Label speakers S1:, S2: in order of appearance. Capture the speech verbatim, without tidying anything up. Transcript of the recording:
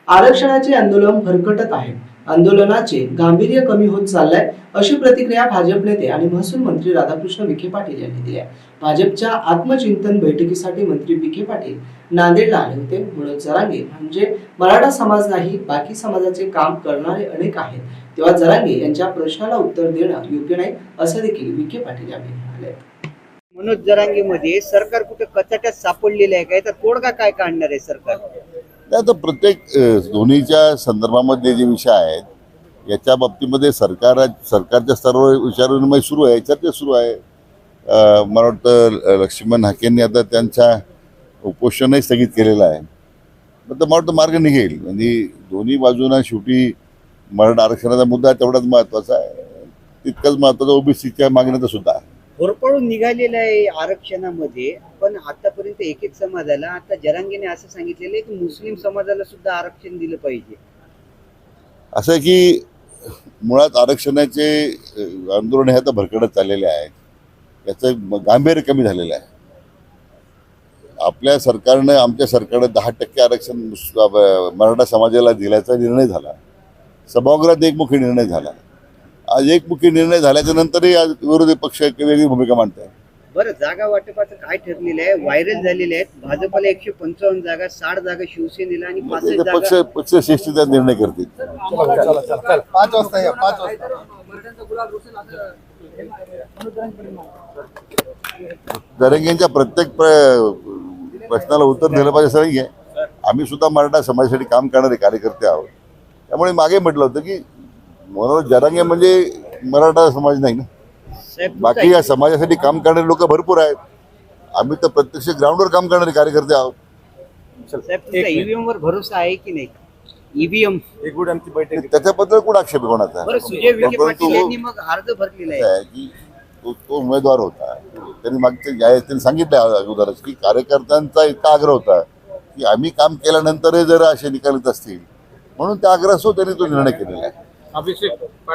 S1: आरक्षणाचे आंदोलन भरकटत आहे। आंदोलनाचे गांभीर्य कमी होत चाललंय, अशी प्रतिक्रिया भाजप नेते आणि महसूल मंत्री राधाकृष्ण विखे पाटील यांनी दिली आहे। भाजपच्या आत्मचिंतन बैठकीसाठी मंत्री विखे पाटील नांदेडला आले होते। मनोज जरांगे म्हणजे मराठा समाज नाही, बाकी समाजाचे काम करणारे अनेक आहेत, तेव्हा जरांगे यांच्या प्रश्नाला उत्तर देणं योग्य नाही, असं देखील विखे पाटील यांनी म्हटले।
S2: मनोज जरांगे मध्ये सरकार कुठे कचाट्यात सापडलेले आहे काय, तर तोडगा काय काढणार आहे सरकार?
S3: आता प्रत्येक दोन्हीच्या संदर्भामध्ये जे विषय आहेत याच्या बाबतीमध्ये सरकार सरकारच्या सर्व विचारविनिमय सुरू आहे, चर्चा सुरू आहे। मला वाटतं लक्ष्मण हाकेंनी आता त्यांच्या उपोषणही स्थगित केलेलं आहे। तर मला वाटतं मार्ग निघेल, म्हणजे दोन्ही बाजूंना शेवटी मराठा आरक्षणाचा मुद्दा तेवढाच महत्त्वाचा आहे, तितकाच महत्त्वाचा ओबीसीच्या मागण्याचा सुद्धा आहे।
S2: होरपळून निघालेलं आहे आरक्षणामध्ये, पण आतापर्यंत एक एक समाजाला, आता जरांगेने असं सांगितलेलं आहे की मुस्लिम समाजाला सुद्धा आरक्षण दिलं पाहिजे।
S3: असं आहे की मुळात आरक्षणाचे आंदोलन हे आता भरकटत चाललेले आहे, याचं गांभीर्य कमी झालेलं आहे। आपल्या सरकारनं आमच्या सरकारनं दहा टक्के आरक्षण मराठा समाजाला दिल्याचा निर्णय झाला, सभागृहात एकमुखी निर्णय झाला। आज एकमुखी निर्णय झाल्याच्या नंतरही आज विरोधी पक्ष एक वेगळी भूमिका मांडत आहे।
S2: बरं, जागा वाटपाचं काय ठरलेलं आहे? व्हायरल झालेले आहेत, भाजपला एकशे पंचावन्न जागा, साठ जागा शिवसेनेला आणि पासष्ट
S3: पक्ष
S2: जागा
S3: पक्ष श्रेष्ठता निर्णय करतील।
S4: पाच वाजता या पाच वाजता
S3: जरांगेंच्या प्रत्येक प्रश्नाला उत्तर दिलं पाहिजे असं नाही आहे। आम्ही सुद्धा मराठा समाजासाठी काम करणारे कार्यकर्ते आहोत, त्यामुळे मागे म्हटलं होतं की मनोज जरांगे म्हणजे मराठा समाज नाही ना, बाकी या समाजासाठी काम करणारे लोक भरपूर आहेत। आम्ही तर प्रत्यक्ष ग्राउंडवर काम करणारे कार्यकर्ते आहोत।
S2: साहेब, तुमचा ईव्हीएम वर भरोसा आहे की नाही? ईव्हीएम
S3: त्याच्याबद्दल कोण आक्षेप आहे कोणाचा?
S2: बरं, सुजय विखे पाटील यांनी मग अर्ज भरलेला आहे
S3: की तो तो उमेदवार होता, त्यांनी मागच्या त्यांनी सांगितलं अगोदरच की कार्यकर्त्यांचा इतका आग्रह होता की आम्ही काम केल्यानंतरही जर असे निकाल येत असतील, म्हणून त्या आग्रहासह त्यांनी तो निर्णय केलेला आहे।
S4: अभिषेक